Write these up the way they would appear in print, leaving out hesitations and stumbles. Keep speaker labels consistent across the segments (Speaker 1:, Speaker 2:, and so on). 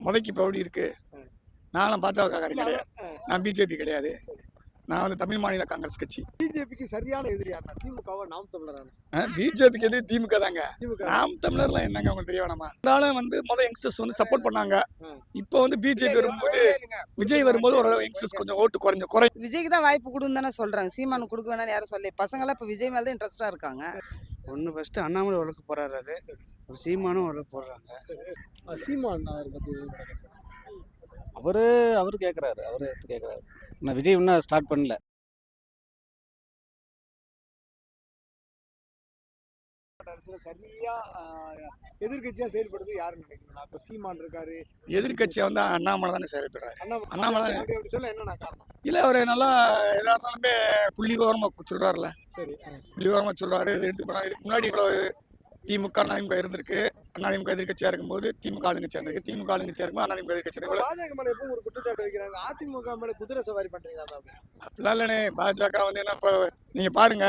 Speaker 1: முதைக்கு இப்போ எப்படி இருக்கு. நானும் பாஜகக்காரன் கிடையாது, நான் பிஜேபி கிடையாது, நான் வந்து தமிழ் மாநில காங்கிரஸ் கட்சி.
Speaker 2: பிஜேபிக்கு சரியான எதிரி யாருன்னா திமுகவா நாம் தமிழரான?
Speaker 1: பிஜேபிக்கு எதிரி திமுக தாங்க.
Speaker 2: திமுக.
Speaker 1: நாம் தமிழர்லாம் என்னங்க உங்களுக்கு தெரிய வேணாமா? இருந்தாலும் வந்து முதல் யங்ஸ்டர்ஸ் வந்து சப்போர்ட் பண்ணாங்க. இப்போ வந்து பிஜேபி வரும்போது, விஜய் வரும்போது ஓரளவு யங்ஸ்டர்ஸ் கொஞ்சம் ஓட்டு குறை.
Speaker 3: விஜய்க்கு தான் வாய்ப்பு கொடுன்னு தானே சொல்றாங்க. சீமானு கொடுக்க வேணாம்னு யாரும் சொல்லி, பசங்களாம் இப்போ விஜய் மேல தான் இன்ட்ரெஸ்டா இருக்காங்க.
Speaker 4: ஒன்று ஃபர்ஸ்ட் அண்ணாமலை வழக்கு போறாரு, சீமானும் வழக்கு போடுறாங்க.
Speaker 2: சீமான் அவர் பத்தி
Speaker 5: அவரு கேட்குறாரு, நான் விஜய் இன்னும் ஸ்டார்ட் பண்ணல.
Speaker 2: சரியா எதிர்கட்சியா செயல்படுறது யாருன்னு நினைக்கிறீங்க? இப்ப சீமான் இருக்காரு,
Speaker 1: எதிர்கட்சியா வந்து அண்ணாமலை தானே செயல்படுறாரு. அண்ணாமலை
Speaker 2: அப்படி சொல்ல என்ன காரணம்?
Speaker 1: இல்ல அவரு நல்லா எதா இருந்தாலுமே புள்ளி விவரமா சொல்றாருல,
Speaker 2: சரி,
Speaker 1: புள்ளி விவரமா சொல்றாரு. இது எடுத்து போனா இதுக்கு முன்னாடி இவ்வளவு திமுக அதிமுக இருந்திருக்கு. அதிமுக எதிர்கட்சியா இருக்கும்போது திமுக ஆளுங்கட்சியா இருந்திருக்கு, திமுக ஆளுங்கட்சியா இருக்கும்போது அதிமுக எதிர்கட்சி இருக்கு.
Speaker 2: பாஜக மேல எப்பவும் ஒரு குற்றச்சாட்டு வைக்கிறாங்க, அதிமுக மேல குதிரை சவாரி பண்றீங்களா?
Speaker 1: அப்படிலாம் இல்லைண்ணே. பாஜக வந்து என்ன இப்போ நீங்க பாருங்க,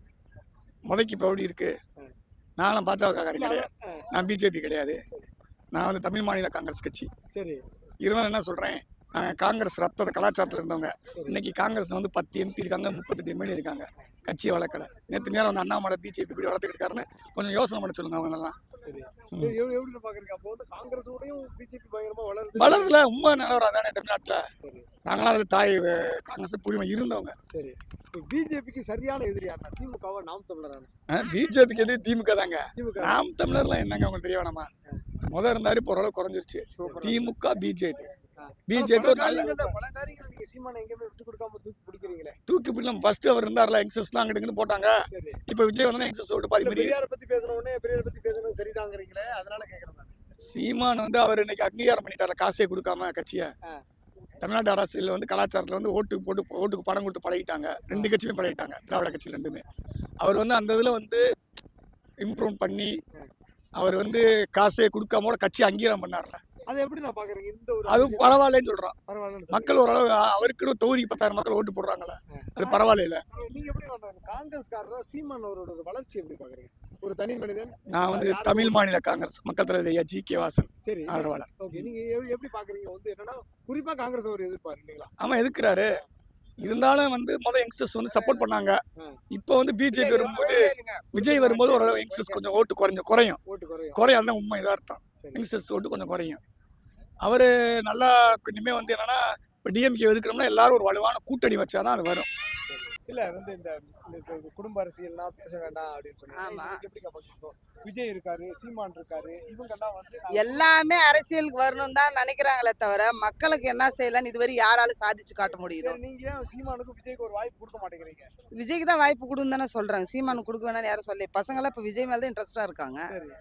Speaker 1: முதைக்கு இப்போ எப்படி இருக்கு. நானும் பாஜகக்காரன் கிடையாது, நான் பிஜேபி கிடையாது, நான் வந்து தமிழ் மாநில காங்கிரஸ் கட்சி.
Speaker 2: சரி,
Speaker 1: இருந்தாலும் என்ன சொல்றேன், நாங்கள் காங்கிரஸ் ரத்த கலாச்சாரத்தில் இருந்தவங்க. இன்னைக்கு காங்கிரஸ் வந்து 10 MP இருக்காங்க, 38 MLA இருக்காங்க, கட்சியை வளர்க்கல. நேற்று நேரம் வந்து அண்ணாமலை பிஜேபி இப்படி வளர்த்துக்கிட்டு இருக்காருன்னு கொஞ்சம் யோசனை பண்ண சொல்லுங்க அவங்களெல்லாம்.
Speaker 2: சரி, எப்படி பாக்குறீங்க? அப்போ வந்து காங்கிரஸோடையும் பிஜேபி பயங்கரமா
Speaker 1: வளருதுல உண்மை நிலவரம் தானே தமிழ்நாட்டில். நாங்களாம் அதில் தாய் காங்கிரஸ் புரிமை இருந்தவங்க.
Speaker 2: சரி, பிஜேபிக்கு சரியான எதிரி யாருன்னா திமுகவா நாம் தமிழரான?
Speaker 1: பிஜேபிக்கு எதிரி திமுக தாங்க.
Speaker 2: திமுக.
Speaker 1: நாம் தமிழர்லாம் என்னங்க உங்களுக்கு தெரிய வேணாமா? முதல் இருந்தாரு, இப்போ ஓரளவு குறைஞ்சிருச்சு. திமுக பிஜேபி பிஜேபி ஒரு நல்ல
Speaker 2: பல காரியங்கள் நீங்க சீமானை எங்கேயுமே விட்டு கொடுக்காம தூக்கி பிடிக்கிறீங்களே.
Speaker 1: தூக்கி பிடிக்கலாம். ஃபர்ஸ்ட் அவர் இருந்தார்ல, யங்ஸ்டர்ஸ்லாம் அங்கிட்டு போட்டாங்க.
Speaker 2: சரி,
Speaker 1: இப்போ விஜய் வந்து யங்ஸ்டர்ஸ் ஓட்டு பாதி மாதிரி.
Speaker 2: பெரியாரை பத்தி பேசுன உடனே பெரியாரை பத்தி பேசுறது சரிதாங்கிறீங்களே, அதனால கேக்குறேன்.
Speaker 1: சீமான் வந்து அவர் இன்னைக்கு அங்கீகாரம் பண்ணிட்டாரு, காசே கொடுக்காம கட்சியை. தமிழ்நாடு அரசியல் வந்து கலாச்சாரத்தில் வந்து ஓட்டுக்கு பணம் கொடுத்து பழகிட்டாங்க. ரெண்டு கட்சியுமே பழகிட்டாங்க, திராவிட கட்சியில் ரெண்டுமே. அவர் வந்து அந்த இதில் வந்து இம்ப்ரூவ் பண்ணி அவர் வந்து காசே கொடுக்காம கட்சி அங்கீகாரம் பண்ணார்ல,
Speaker 2: அது எப்படி நான் பாக்குறேன்? இந்த ஒரு
Speaker 1: அது பரவாயில்லன்னு சொல்றான்.
Speaker 2: பரவாயில்ல,
Speaker 1: மக்கள் ஓரளவு அவருக்குன்னு தொகுதிக்கு 10,000 மக்கள் ஓட்டு போடுறாங்களே, அது பரவாயில்ல.
Speaker 2: நீங்க எப்படி காங்கிரஸ்காரரா சீமான் அவரோட வளர்ச்சி எப்படி பாக்குறீங்க? ஒரு தனி மனிதன்.
Speaker 1: நான் வந்து தமிழ் மாநில காங்கிரஸ் மக்கள் தலைவர் ஐயா GK வாசன்
Speaker 2: சரி
Speaker 1: ஆதரவாளர்.
Speaker 2: ஓகே, நீங்க எப்படி பாக்குறீங்க? வந்து என்னன்னா குறிப்பா காங்கிரஸ் ஒரு எதிர்ப்பாரு இல்லைங்களா?
Speaker 1: ஆமா எதுக்குறாரு. இருந்தாலும் வந்து முதல் யங்ஸ்டர்ஸ் வந்து சப்போர்ட் பண்ணாங்க. இப்போ வந்து பிஜேபி வரும்போது, விஜய் வரும்போது ஓரளவு யங்ஸ்டர்ஸ் கொஞ்சம் ஓட்டு குறையும். அதுதான் உண்மை, இதார்த்தம். யங்ஸ்டர்ஸ் ஓட்டு கொஞ்சம் குறையும். அவரு நல்லா இனிமே வந்து என்னன்னா, இப்போ டிஎம்கே எதுக்கணும்னா எல்லாரும் ஒரு வலுவான கூட்டணி வச்சாதான் அது வரும்.
Speaker 2: இல்ல வந்து இந்த குடும்ப அரசியல்லாம் பேச வேண்டாம் அப்படின்னு சொன்னாங்க. எப்படி பாக்குறீங்க? விஜய் இருக்காரு, சீமான் இருக்காரு, இவங்கெல்லாம் வந்து
Speaker 3: எல்லாமே அரசியலுக்கு வரணும் தான் நினைக்கிறாங்களே தவிர, மக்களுக்கு என்ன செய்யலாம்னு இதுவரை யாராலும் சாதிச்சு காட்ட முடியுது?
Speaker 2: நீங்க ஏன் சீமானுக்கும் விஜய்க்கு ஒரு வாய்ப்பு கொடுக்க மாட்டேங்கிறீங்க?
Speaker 3: விஜய்க்கு தான் வாய்ப்பு கொடுன்னு தானே சொல்றாங்க. சீமானு கொடுக்க வேணாம்னு யாரும் சொல்லி, பசங்களாம் இப்போ விஜய் மேல தான் இன்ட்ரெஸ்டா இருக்காங்க.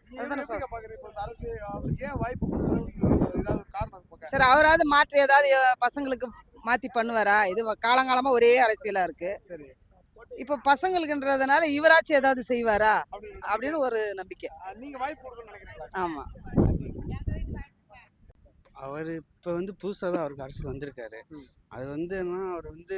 Speaker 2: ஏன் வாய்ப்பு கொடுக்கணும்? ஏதாவது காரணம் இருக்கா?
Speaker 3: சரி, அவராவது மாற்றி ஏதாவது பசங்களுக்கு மாத்தி பண்ணுவாரா? இது காலங்காலமா ஒரே அரசியலா இருக்கு.
Speaker 2: சரி,
Speaker 3: இப்ப பசங்களுக்குன்றதுனால இவராச்சும் ஏதாவது செய்வாரா அப்படின்னு ஒரு நம்பிக்கை.
Speaker 2: நீங்க வாய்ப்பு கொடுக்கணும்னு நினைக்கிறீங்களா?
Speaker 3: ஆமா,
Speaker 4: அவர் இப்போ வந்து புதுசாக தான் அவருக்கு அரசியல் வந்திருக்காரு. அது வந்து என்ன, அவர் வந்து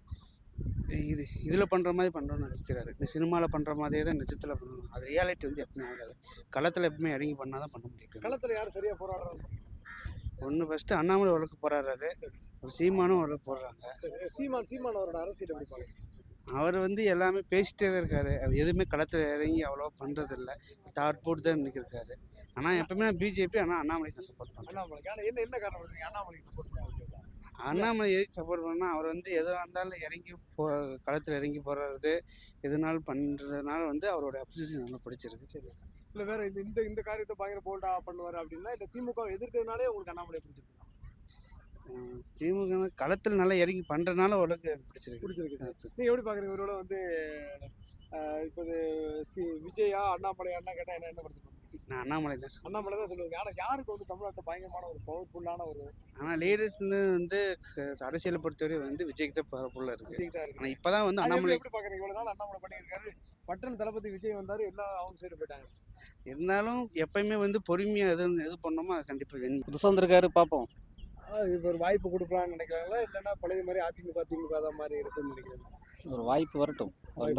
Speaker 4: இதில் பண்ணுற மாதிரி பண்ணுறோன்னு நினைக்கிறாரு. இந்த சினிமாவில் பண்ணுற மாதிரியே தான் நிஜத்தில் பண்ணணும். அது ரியாலிட்டி வந்து எப்பவுமே ஆகாது. களத்தில் எப்பவுமே இறங்கி பண்ணால் தான் பண்ண முடியும்.
Speaker 2: களத்தில் யார் சரியா போராடுறாங்க?
Speaker 4: ஒன்று ஃபர்ஸ்ட் அண்ணாமலை வழக்கு போறாரு, சீமானும் வழக்கு போடுறாங்க.
Speaker 2: சீமான் அவரோட அரசியல் எப்படி பாருங்க?
Speaker 4: அவர் வந்து எல்லாமே பேசிட்டே தான் இருக்காரு. எதுவுமே களத்தில் இறங்கி அவ்வளோவா பண்ணுறதில்ல, டாட் போட்டு தான் நிற்கிருக்காரு. ஆனால் எப்பவுமே பிஜேபி, ஆனால் அண்ணாமலைக்கு சப்போர்ட் பண்ணுறேன்.
Speaker 2: என்ன காரணம் அண்ணாமலைக்கு சப்போர்ட் பண்ணுறாங்க?
Speaker 4: அண்ணாமலை எதுக்கு சப்போர்ட் பண்ணால், அவர் வந்து எதுவாக இருந்தாலும் இறங்கி களத்தில் இறங்கி போடுறது, எதுனாலும் பண்ணுறதுனால வந்து அவரோட அப்சிஷன் நல்லா பிடிச்சிருக்கு.
Speaker 2: சரி, இல்லை வேற இந்த காரியத்தை பயங்கர போல்டா பண்ணுவார் அப்படின்னா, இல்லை திமுக எதிர்க்கிறதுனாலே உங்களுக்கு அண்ணாமலை பிடிச்சிருக்கு?
Speaker 4: திமுக களத்தில் நல்லா இறங்கி பண்ணுறதுனால ஓரளவுக்கு பிடிச்சிருக்கு.
Speaker 2: நீங்கள் எப்படி பார்க்குறீங்க? இவரோட வந்து இப்போ விஜயா அண்ணாமலையான்னா கேட்டால் என்ன பண்ணுறது?
Speaker 4: நான் அண்ணாமலை தான்
Speaker 2: சொல்லுவாங்க. ஆனால் யாருக்கு வந்து தமிழ்நாட்டில் பயங்கரமான ஒரு பவர்ஃபுல்லான ஒரு
Speaker 4: ஆனால் லீடர்ஸ் வந்து அரசியலை பொறுத்தவரை வந்து விஜய்க்கு தான் பவர்ஃபுல்லாக இருக்குது. ஆனால் இப்போ தான் வந்து
Speaker 2: அண்ணாமலை எப்படி பார்க்குறீங்க? இவ்வளோ நாள் அண்ணாமலை பண்ணியிருக்காரு, பட்டன் தளபதி விஜய் வந்தார், எல்லாம் அவங்க சைடு போயிட்டாங்க.
Speaker 4: இருந்தாலும் எப்பயுமே வந்து பொறுமையாக எது பண்ணோமோ அது கண்டிப்பாக வேணும்.
Speaker 5: புதுசாக வந்திருக்காரு, பார்ப்போம்.
Speaker 2: இப்போ ஒரு வாய்ப்பு கொடுக்கலான்னு நினைக்கிறாங்களா, இல்லைன்னா பழைய மாதிரி அதிமுக தான் மாதிரி இருக்குன்னு நினைக்கிறேன்?
Speaker 5: ஒரு வாய்ப்பு வரட்டும், வந்தார்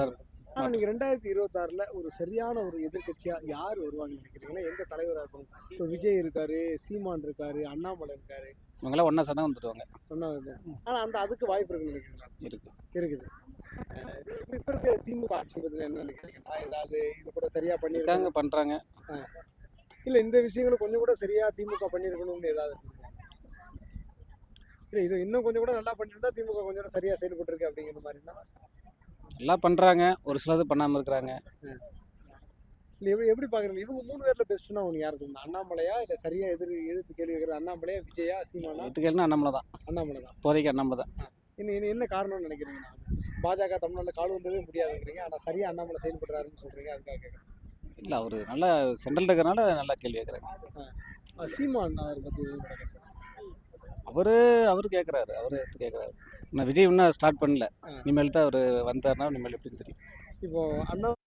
Speaker 2: ஆனா நீங்க 2026ல ஒரு சரியான ஒரு எதிர்க்கட்சியா யார் வருவாங்கன்னு நினைக்கிறீங்கன்னா எந்த தலைவரா இருக்கும்? இப்போ விஜய் இருக்காரு, சீமான் இருக்காரு, அண்ணாமலை இருக்காரு,
Speaker 5: இவங்கெல்லாம் ஒன்றா சேர்ந்தா வந்துடுவாங்க.
Speaker 2: ஒன்னாவது. ஆனா அதுக்கு வாய்ப்பு இருக்குன்னு நினைக்கிறீங்களா?
Speaker 5: இருக்கு.
Speaker 2: இருக்குது. இப்ப இருக்க திமுக ஆட்சி பத்தி என்ன நினைக்கிறீங்கன்னா ஏதாவது இது கூட சரியா பண்ணிருக்காங்க?
Speaker 5: இருக்காங்க, பண்ணுறாங்க.
Speaker 2: இல்ல இந்த விஷயங்களை கொஞ்சம் கூட சரியா திமுக பண்ணிருக்கணும்னு ஏதாவது இருக்குங்களா? இல்ல இது இன்னும் கொஞ்சம் கூட நல்லா பண்ணிருந்தா திமுக கொஞ்சம் கூட சரியா செயல்பட்டு இருக்கு அப்படிங்கிற மாதிரினா
Speaker 5: எல்லாம் பண்ணுறாங்க, ஒரு சிலது பண்ணாமல் இருக்கிறாங்க.
Speaker 2: இல்ல எப்படி பாக்குறீங்க? இவங்க 3 பேர்ல பெஸ்ட்னா உங்களுக்கு யார் சொல்லணும்? அண்ணாமலையா இல்ல சரியா எதிர்த்து கேள்வி கேட்கறது அண்ணாமலையா, விஜயா, சீமானா?
Speaker 5: எதுக்கேன்னா அண்ணாமலை தான்,
Speaker 2: அண்ணாமலை தான்.
Speaker 5: இப்போதைக்கு அண்ணாமலை தான்.
Speaker 2: என்ன காரணம்னு நினைக்கிறீங்க? பாஜக தமிழ்நாட்டில் கால் வந்தவே முடியாதுங்கிறீங்க, ஆனா சரியா அண்ணாமலை செயல்படுறாருன்னு சொல்றீங்க, அதுக்காக கேட்குறேன்.
Speaker 5: இல்லை, அவர் நல்லா சென்ட்ரல் இருக்கிறனால நல்லா கேள்வி கேட்குறாங்க.
Speaker 2: சீமான் அவர் பத்தி எதுவும் கேட்குறேன்.
Speaker 5: அவர் கேட்குறாரு, அவர் கேட்குறாரு. இன்னும் விஜய் இன்னும் ஸ்டார்ட் பண்ணல. இனிமேல் தான் அவர் வந்தாருன்னா இனிமேல் எப்படின்னு தெரியும்.
Speaker 2: இப்போ அண்ணா